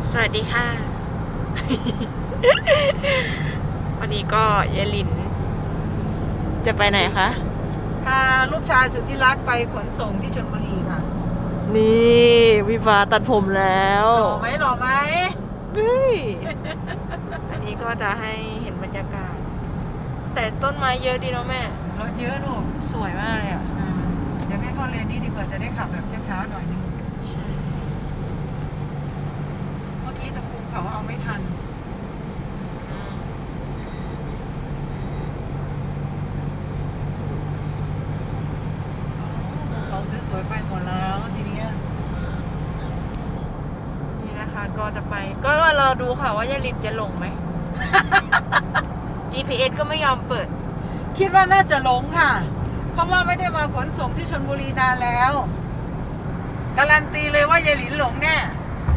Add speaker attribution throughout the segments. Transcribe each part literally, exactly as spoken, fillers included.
Speaker 1: สวัสดีค่ะ วันนี้ก็ยายลิน จะไปไหนคะ
Speaker 2: พาลูกชายสุดที่รักไปขนส่งที่ชลบุรีค่ะ
Speaker 1: นี่วิวาตัดผมแล้ว
Speaker 2: หล่อไหมหล่อไหม
Speaker 1: เฮ้ย อันนี้ก็จะให้เห็นบรรยากาศ แต่ต้นไม้เยอะดีเนาะแม่
Speaker 2: รถเยอะลูก
Speaker 1: สวยมากเลยอ่ะ
Speaker 2: อ่าเดี๋ยวแม่เข้าเลนนี้ดีกว่าจะได้ขับแบบช้าๆหน่อยนึงเมื่อกี้ตะกุมเขาเอาไม่ทันเขาสวยๆไปหมดแล้วทีเนี้ย
Speaker 1: นี่นะคะก็จะไป ก็ว่ารอดูค่ะว่ายายลินจะลงไหม จี พี เอส ก็ไม่ยอมเปิด
Speaker 2: คิดว่าน่าจะหลงค่ะ เพราะว่าไม่ได้มาขนส่งที่ชลบุรีนานแล้วการันตีเลยว่ายายหลินหลงแน่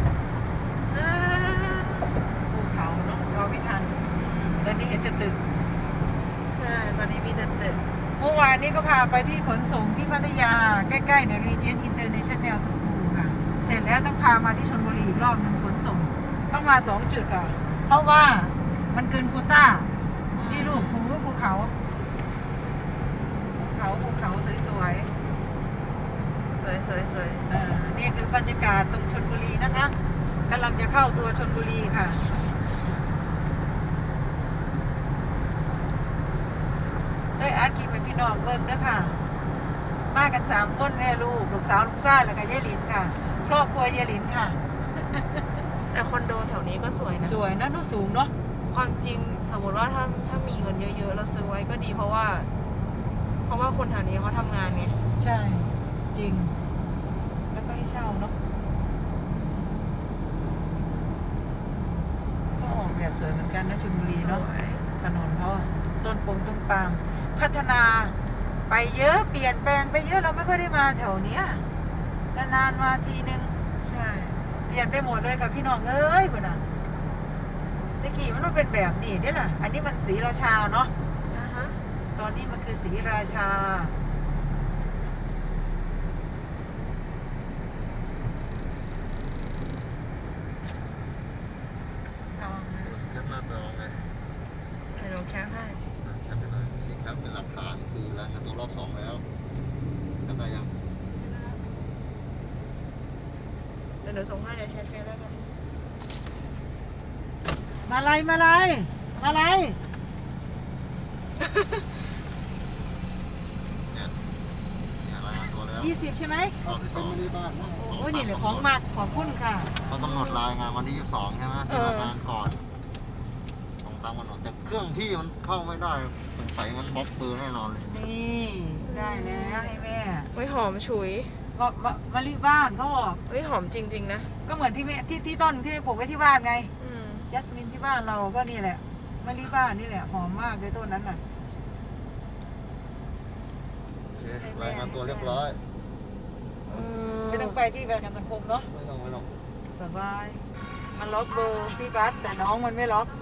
Speaker 2: ภูเขาเนาะเราไม่ทันตอนนี้เห็นแต่ตึก
Speaker 1: ใช่ ตอนนี้มีแต่ตึก
Speaker 2: เมื่อวานนี้ก็พาไปที่ขนส่งที่พัทยาใกล้ๆใน Regent International School ค่ะ เสร็จแล้วต้องพามาที่ชลบุรีอีกรอบหนึ่งขนส่ง ต้องมาสองจุดอ่ะ เพราะว่ามันเกินโควต้า นี่ลูกภูภูเขาภูเขาภูเขาสวยๆ
Speaker 1: สวยสวยสวย
Speaker 2: อ่านี่คือบรรยากาศตรงชลบุรีนะคะกำลังจะเข้าตัวชลบุรีค่ะได้อาร์ตกินไปพี่น้องเบิ้งด้วยค่ะ มากันสามคนแม่ลูกลูกสาวลูกชายแล้วก็ยายหลินค่ะครอบครัวยายหลินค่ะ
Speaker 1: แต่คอนโดแถวนี้ก็สวยนะ
Speaker 2: สวยนะดูสูงเนาะ
Speaker 1: ความจริงสมมติว่าถ้าถ้ามีเงินเยอะๆเราซื้อไว้ก็ดีเพราะว่า เพราะว่าคนแถวนี้เขาทำงานไง
Speaker 2: ใช่จริง แล้วก็ให้เช่าเนาะก็ออกแบบสวยเหมือนกันนะชลบุรีเนาะ ถนนเขาอะต้นปงต้นปาล์มพัฒนาไปเยอะเปลี่ยนแปลงไปเยอะเราไม่ค่อยได้มาแถวเนี้ยนานๆมาทีนึง
Speaker 1: ใช่
Speaker 2: เปลี่ยนไปหมดเลยกับพี่น้องเอ้ยคุณน่ะตะกี้มันต้องเป็นแบบนี้เนี่ยล่ะอันนี้มันศรีราชาเนาะ
Speaker 1: อ่าฮะ
Speaker 2: ตอนนี้มันคือศรีราชาเอา
Speaker 3: แคปหน้าจอไง
Speaker 1: เดี๋ยวเราแคปให้
Speaker 3: แคปไปหน่อยนี่แคปเป็นหลักฐานคือรายงานตัวรอบสองแล้วแคปได้ยัง
Speaker 1: เดี๋ยวเดี๋ยวส่งให้เดี๋ยวแชร์เฟซแล้วกัน
Speaker 2: มาลายมาลายมาลาย
Speaker 3: เนี่ยเนี่ยรายงานตัวแล้ว
Speaker 2: ยี่สิบใช่ไหม
Speaker 3: รอบที่สอง
Speaker 2: โอ้ยนี่เลยของมากขอบคุณค่ะ
Speaker 3: เขากำหนดรายงานวันที่ยี่สิบสองใช่ไหมที่รายงานก่อนตรงตามกำหนดแต่เครื่องพี่มันเข้าไม่ได้สงสัยมันบล็อกปืนแน่นอนเลย
Speaker 2: นี่ได้แล้วให้แม่
Speaker 1: เฮ้ยหอมฉุย
Speaker 2: มามะมะลิบ้านเขาบอก
Speaker 1: เฮ้ยหอมจริงๆนะ
Speaker 2: ก็เหมือนที่แม่ที่ที่ต้นที่ปลูกไว้ที่บ้านไง
Speaker 1: อืม
Speaker 2: จัสมินที่บ้านเราก็นี่แหละมะลิบ้านนี่แหละหอมมากเลยต้นนั้นน่ะ
Speaker 3: โอเครายงานตัวเรียบร้อย
Speaker 2: ไม่ต้องไปที่ประกันสังคมเนาะ
Speaker 3: ไม่ต้องไม่ต้อง
Speaker 2: สบายมันล็อกเบอร์พี่บัสแต่น้องมันไม่ล็อก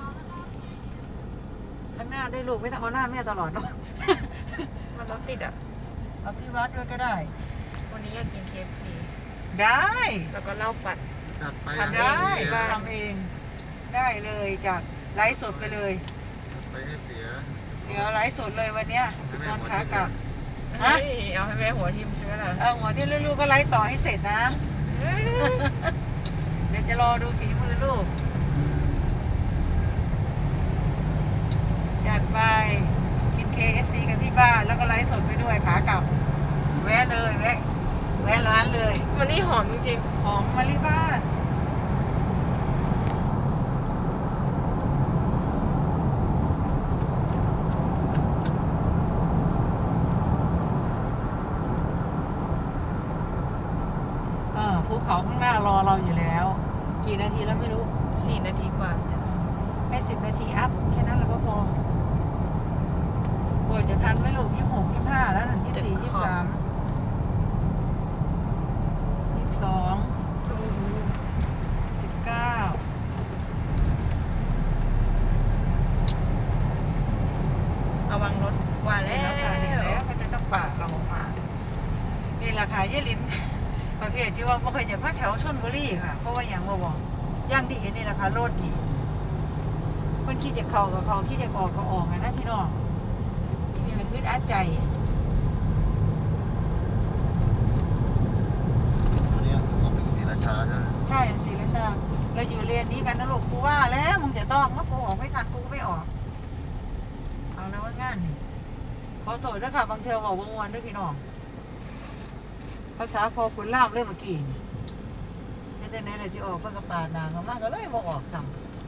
Speaker 2: ข้างหน้าได้ลูกไม่ต้องเอาหน้าแม่ตลอดเนาะ
Speaker 1: มันรถติดอ่ะ
Speaker 2: เอาพี่บัสด้วยก็ได้
Speaker 1: วันนี้อยากกิน เค เอฟ ซี
Speaker 2: ได้
Speaker 1: แล้วก็เหล้าปัด
Speaker 3: จัดไป
Speaker 1: ทำ
Speaker 2: ได้
Speaker 1: ที่บ้าน
Speaker 2: ทำเองได้เลยจากไลฟ์สดไปเลย
Speaker 3: ไปให้เสีย
Speaker 2: เดี๋ยวไลฟ์สดเลยวันเนี้ยตอนขากลับ ฮะ
Speaker 1: เฮ้ยเอาให้แม่หัวทิ่มใช่ไหมล่ะ
Speaker 2: เออหัวที่ลูกๆก็ไลฟ์ต่อให้เสร็จนะ
Speaker 1: เฮ้ย
Speaker 2: เดี๋ยวจะรอดูฝีมือลูก จัดไปกิน เค เอฟ ซี กันที่บ้าน แล้วก็ไลฟ์สดไปด้วยขากลับ แวะเลยแวะแวะร้านเลย
Speaker 1: วันนี้หอมจริง
Speaker 2: หอมมะลิบ้านอ่าภูเขาข้างหน้ารอเราอยู่แล้ว กี่นาทีแล้วไม่รู้
Speaker 1: ๆสี่นาทีกว่า
Speaker 2: ให้สิบนาทีอัพแค่นั้นเราก็พอโอ้ยจะทันไหมลูกยี่สิบหกยี่สิบห้าแล้วหนึ่งยี่สิบสี่ยี่สิบสามยี่สิบสองสิบเก้า
Speaker 1: ระวังรถว่าแล้
Speaker 2: แล้วค่ะเห็น
Speaker 1: ว
Speaker 2: แล้วมันจะต้องปาดเราออกมานี่ราคาเยลินประเภทที่ว่าไม่เคยอยากมาแถวชลบุรีค่ะ เพราะว่าอย่างว่าบอกอย่างที่เห็นนี่แหละค่ะรถนี่คนคิดจะเข้ากับเขาคิดจะออกก็ออกนะพี่น้องนี่แหละอึดอัดใจ
Speaker 3: วันนี้เราถึงศรีราชาใช่ไหม
Speaker 2: ใช่ศรีราชาเราอยู่เรียนนี้กันนะลูกกูว่าแล้วมึงจะต้องว่ากูออกไม่ทันกูก็ไม่ออกเอาแล้วว่างานนี่ขอโทษด้วยค่ะบางเทอบอกวงวันด้วยพี่น้องภาษาฟอคุณล่ามเรื่องเมื่อกี้นี่ไม่แต่ไหนเลยจะออกเพื่อกระปาดนางก็มากก็เลยบอกออกสั่ง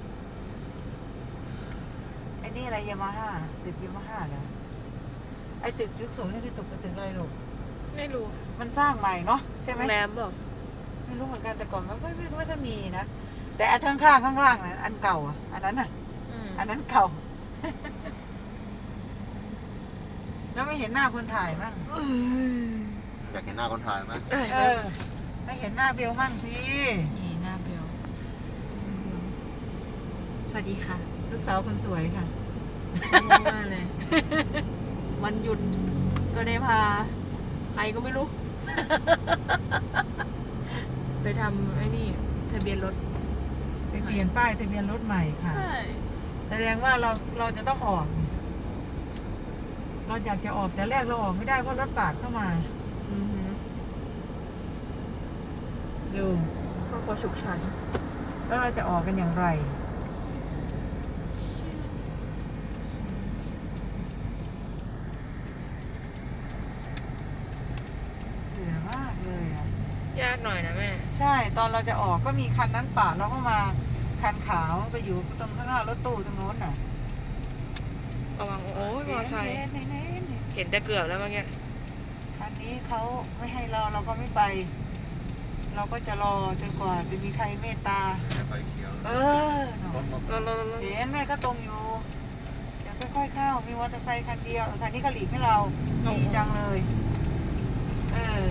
Speaker 2: ไอ้นี่อะไรยามาฮ่าตึกยามาฮ่าเหรอไอ้ตึกสูงๆนี่คือตึกตึกอะไรลูก
Speaker 1: ไม่รู้
Speaker 2: มันสร้างใหม่เนาะใช่ไหม
Speaker 1: โรงแรมเปล่า
Speaker 2: ไม่รู้เหมือนกันแต่ก่อนมันไม่ไม่ไม่ค่อยมีนะแต่อันข้างข้างข้างล่างนะอันเก่าอ่ะอันนั้นอ่ะ
Speaker 1: อืม
Speaker 2: อันนั้นเก่า แล้วไม่เห็นหน้าคนถ่ายมั่ง
Speaker 3: อยากเห็นหน้าคนถ่ายไหม
Speaker 2: เออให้เห็นหน้าเบลมั่งสิ
Speaker 1: นี่หน้าเบลสวัสดีค่ะ
Speaker 2: ลูกสาวคนสวยค่ะ
Speaker 1: ง่วงมากเลย วันหยุดก็ได้พา ใครก็ไม่รู้ ไปทำไอ้นี่ทะเบียนรถ
Speaker 2: ไปเปลี่ยนป้ายทะเบียนรถใหม่ค่ะ
Speaker 1: ใช่
Speaker 2: แสดงว่าเราเราจะต้องออก เราอยากจะออกแต่แรกเราออกไม่ได้เพราะรถปาดเข้ามา
Speaker 1: อือหือ
Speaker 2: ดู
Speaker 1: ก็ขอฉุกฉัน
Speaker 2: แล้วเราจะออกกันอย่างไรเบื่อมากเลยอ่ะ
Speaker 1: ยากหน่อยนะแม่
Speaker 2: ใช่ตอนเราจะออกก็มีคันนั้นปาดเราก็มาคันขาวไปอยู่ตรงข้างหน้ารถตู้ตรงโน้นน่ะ
Speaker 1: ระวังโอ้ยมอไซค์
Speaker 2: เห็นเห็นเห็นเห็น
Speaker 1: เห็นแต่เกือบแล้วเมื่อกี้
Speaker 2: คันนี้เขาไม่ให้เราเราก็ไม่ไป เราก็จะรอจนกว่าจะมีใครเมตตา
Speaker 3: ไฟเขียว
Speaker 2: เออเน
Speaker 3: ร
Speaker 2: อะ
Speaker 3: ถรถ
Speaker 1: รถรถรถ
Speaker 2: เห็นแม่ก็ตรงอยู่เดี๋ยวค่อยๆเข้ามีมอเตอร์ไซค์คันเดียวเออคันนี้เขาหลีกให้เราดีจังเลยเออ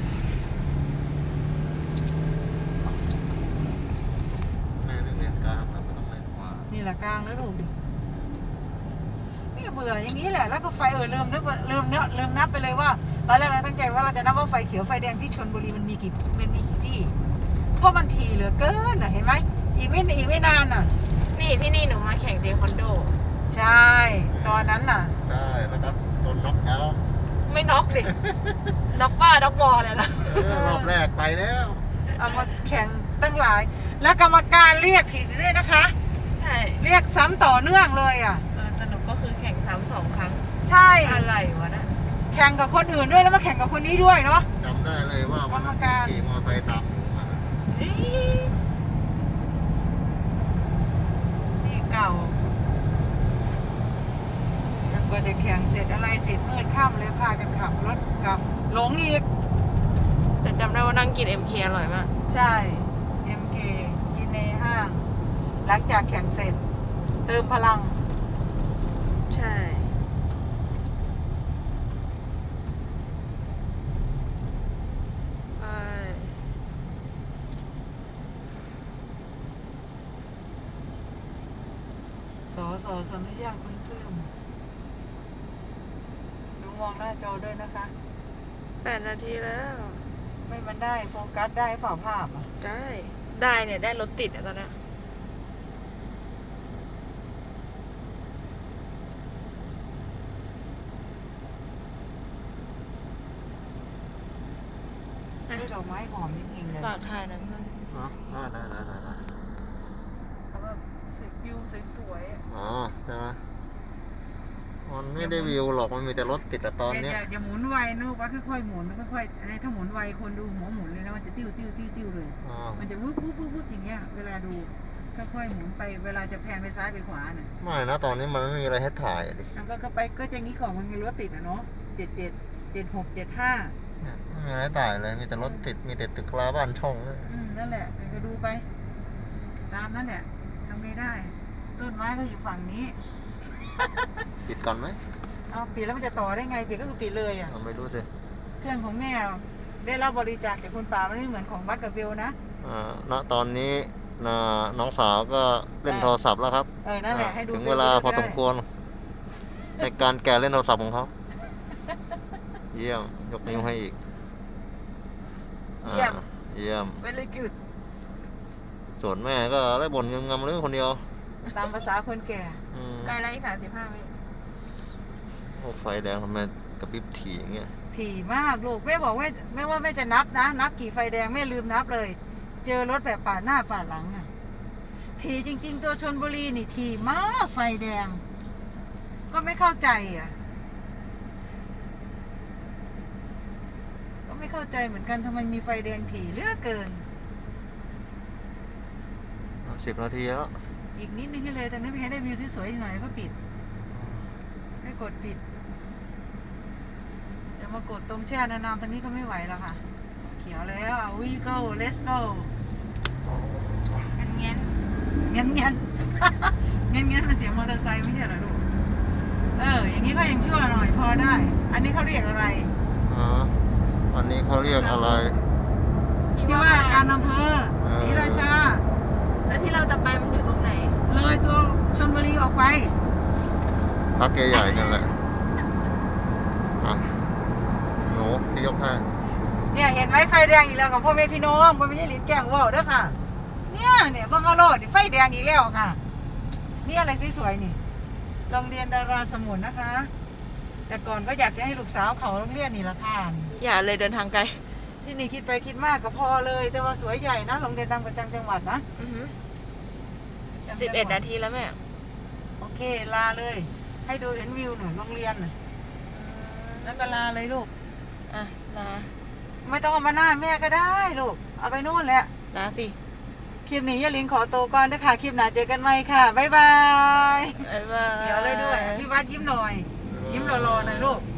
Speaker 3: แม่เรียนกลางครับไม่ต้องเรียนขวา
Speaker 2: นี่แหละกลางแล้วถูกนี่เบื่ออย่างนี้แหละแล้วก็ไฟเออเริ่มนึกว่าเริ่มเนื้อเริ่มนับไปเลยว่าตอนแรกเราตั้งใจว่าเราจะนับว่าไฟเขียวไฟแดงที่ชลบุรีมันมีกี่มันมีกี่ที่เพราะมันทีเหลือเกินอ่ะเห็นไหมอีกไม่อีกไม่นานอ่ะ
Speaker 1: นี่ที่นี่หนูมาแข่งเทควันโด
Speaker 2: ใช่ตอนนั้นน่ะ
Speaker 3: ได้แล้วก็โดนน็อกเอาท์
Speaker 1: ไม่น็อกสิ น็อกป้าน็อกบอลเลยล่ะ
Speaker 3: เออรอบแรกไปแล้ว
Speaker 2: เอามาแข่งตั้งหลาย แล้วกรรมการเรียกผิดด้วยนะคะ
Speaker 1: ใช่
Speaker 2: เรียกซ้ำต่อเนื่องเลยอ่ะ
Speaker 1: เออสนุกก็คือแข่งซ้ำสองครั้ง
Speaker 2: ใช่
Speaker 1: อะไรวะนะ
Speaker 2: แข่งกับคนอื่นด้วยแล้วมาแข่งกับคนนี้ด้วยเนาะ
Speaker 3: จำได้เลยว่าวันนั้น
Speaker 2: กรรมการ
Speaker 3: ขี่มอเตอร์ไซค์ตามผมมา
Speaker 2: ที่เก่าแล้วกว่าจะแข่งเสร็จอะไรเสร็จมืดค่ำเลยพากันขับรถกลับหลงอีก
Speaker 1: แต่จำได้ว่านั่งกิน เอ็ม เค อร่อยมาก
Speaker 2: ใช่ เอ็ม เค กินในห้าง หลังจากแข่งเสร็จ เติมพลัง
Speaker 1: ใช่
Speaker 2: สอสอสนธิยาคุณปลื้มดูมองหน้าจอด้วยนะคะ
Speaker 1: แปดนาทีแล้ว
Speaker 2: ไม่มันได้โฟกัสได้เปล่าภาพอ่ะ
Speaker 1: ได้ ได้เนี่ย ได้รถติดอะตอนเนี้ย
Speaker 2: ด้วยดอกไม้หอมจริงๆเลย
Speaker 1: ฝากถ่ายหนั้นมัน
Speaker 3: เนาะได้ได้ได้ได้ได้
Speaker 1: เขาแบบสวยวิวสวยๆอะ
Speaker 3: อ๋อใช่ไหมมันไม่ได้วิวหรอกมันมีแต่รถติดแต่ตอนเนี้ย
Speaker 2: อย่าอย่าหมุนไวนูกว่าค่อยๆหมุนค่อยๆอะไรถ้าหมุนไวคนดูหัวหมุนเลยนะมันจะติ้วติ้วติ้วติ้วเลย
Speaker 3: อ๋อ
Speaker 2: มันจะวึบวึบวึบวึบอย่างเงี้ยเวลาดูค่อยๆหมุนไปเวลาจะแพนไปซ้ายไปขวาน่ะ
Speaker 3: ไม่นะตอนนี้มันไม่มีอะไรให้ถ่ายอะดิ
Speaker 2: แล้วก็ก็ไปก็จะงี้ก่อนมันมีรถติดอ่ะเนาะเจ็ดเจ็ดเจ็ดหกเจ็ดห้า
Speaker 3: เนี่ยไม่มีอะไรให้ถ่ายเลยมีแต่รถติดมีแต่ตึกราบ้านช่องเลย
Speaker 2: อืมนั่นแหละก็ดูไป ตามนั่นแหละทำไม่ได้ ต้นไม้เขาอยู่ฝั่งนี้
Speaker 3: ปิดก่อนไหม
Speaker 2: เอาปิดแล้วมันจะต่อได้ไงปิดก็คือปิดเลยอ่ะ
Speaker 3: เราไม่รู้สิ
Speaker 2: เครื่องของแม่ได้รับบริจาคจากคุณป่ามันไม่เหมือนของวัดกับเบลนะ
Speaker 3: อ่าณตอนนี้นะน้องสาวก็เล่นโทรศัพท์แล้วครับ
Speaker 2: เออนั่นแหละให้ดู
Speaker 3: ถึงเวลาพอสมควรในการแกะเล่นโทรศัพท์ของเขาเยี่ยมยกนิ้วให้อีกอ่าเยี่ยม
Speaker 2: very good
Speaker 3: ส่วนแม่ก็ได้บ่นงำๆเรื่องคนเดียว
Speaker 2: ตามภาษาคนแก่
Speaker 3: อืม
Speaker 1: ใกล้แล้วอีกสามสิบห้าวิ
Speaker 3: โอ้ไฟแดงทำไมกระพริบถี่อย่างเงี้ย
Speaker 2: ถี่มากลูกแม่บอกว่าไม่ว่าแม่จะนับนะ นับกี่ไฟแดงแม่ลืมนับเลย เจอรถแบบปาดหน้าปาดหลังอ่ะถี่จริง ๆ ตัวชลบุรีนี่ถี่มากไฟแดง ก็ไม่เข้าใจอ่ะ ก็ไม่เข้าใจเหมือนกันทำไมมีไฟแดงถี่เหลือเกิน
Speaker 3: สิบนาทีแล้ว
Speaker 2: อีกนิดนึงให้เลยแต่นั้นไม่ให้ได้วิวสวยๆอีกหน่อยก็ปิดไม่กดปิดเดี๋ยวมากดตรงแช่นานๆตรงนี้ก็ไม่ไหวแล้วค่ะ เขียวแล้ว we go let's go
Speaker 1: งั้นงั้น
Speaker 2: เงี้ยนเงี้ยน เงี้ยนเงี้ยนเป็นเสียงมอเตอร์ไซค์ไม่ใช่เหรอลูกเออ อย่างนี้ก็ยังชั่วหน่อยพอได้ อันนี้เขาเรียกอะไร
Speaker 3: อ๋ออันนี้เขาเรียกอะไร
Speaker 2: ที่ว่าการอำเภอ
Speaker 3: เออ
Speaker 2: ศรีราชา
Speaker 1: แล้วที่เราจะไปมันอยู่ตรงไหน
Speaker 2: เลยตัวชลบุรีออกไป
Speaker 3: พักใหญ่ๆนั่นแหละอ่ะหนูพี่ยกให้
Speaker 2: เนี่ยเห็นไหมไฟแดงอีกแล้วกับพ่อแม่พี่น้องพ่อแม่ยี่หลินแกล้งว่าวเด้อค่ะ เนี่ยเนี่ยบังเอาโลดไฟแดงอีกแล้วค่ะ นี่อะไรสวยๆนี่โรงเรียนดาราสมุนนะคะ แต่ก่อนก็อยากจะให้ลูกสาวเขาโรงเรียนนี่ละค่ะ
Speaker 1: อย่าเลยเดินทางไกล
Speaker 2: ที่นี่คิดไปคิดมากก็พอเลย แต่ว่าสวยใหญ่นะโรงเรียนดังประจำจังหวัดนะ
Speaker 1: อือหือสิบเอ็ดนาทีแล้วแม่
Speaker 2: โอเคลาเลย ให้ดูเห็นวิวหน่อยโรงเรียนน่ะแล้วก็ลาเลยลูก
Speaker 1: อ่ะลา
Speaker 2: ไม่ต้องเอามาหน้าแม่ก็ได้ลูกเอาไปนู่นแหละ
Speaker 1: ลาสิ
Speaker 2: คลิปนี้ยายลินขอตัวก่อนนะคะคลิปหน้าเจอกันใหม่ค่ะ บ๊ายบาย
Speaker 1: บ๊ายบาย
Speaker 2: เขียวเลยด้วย พี่วัดยิ้มหน่อย ยิ้มรอๆหน่อยลูก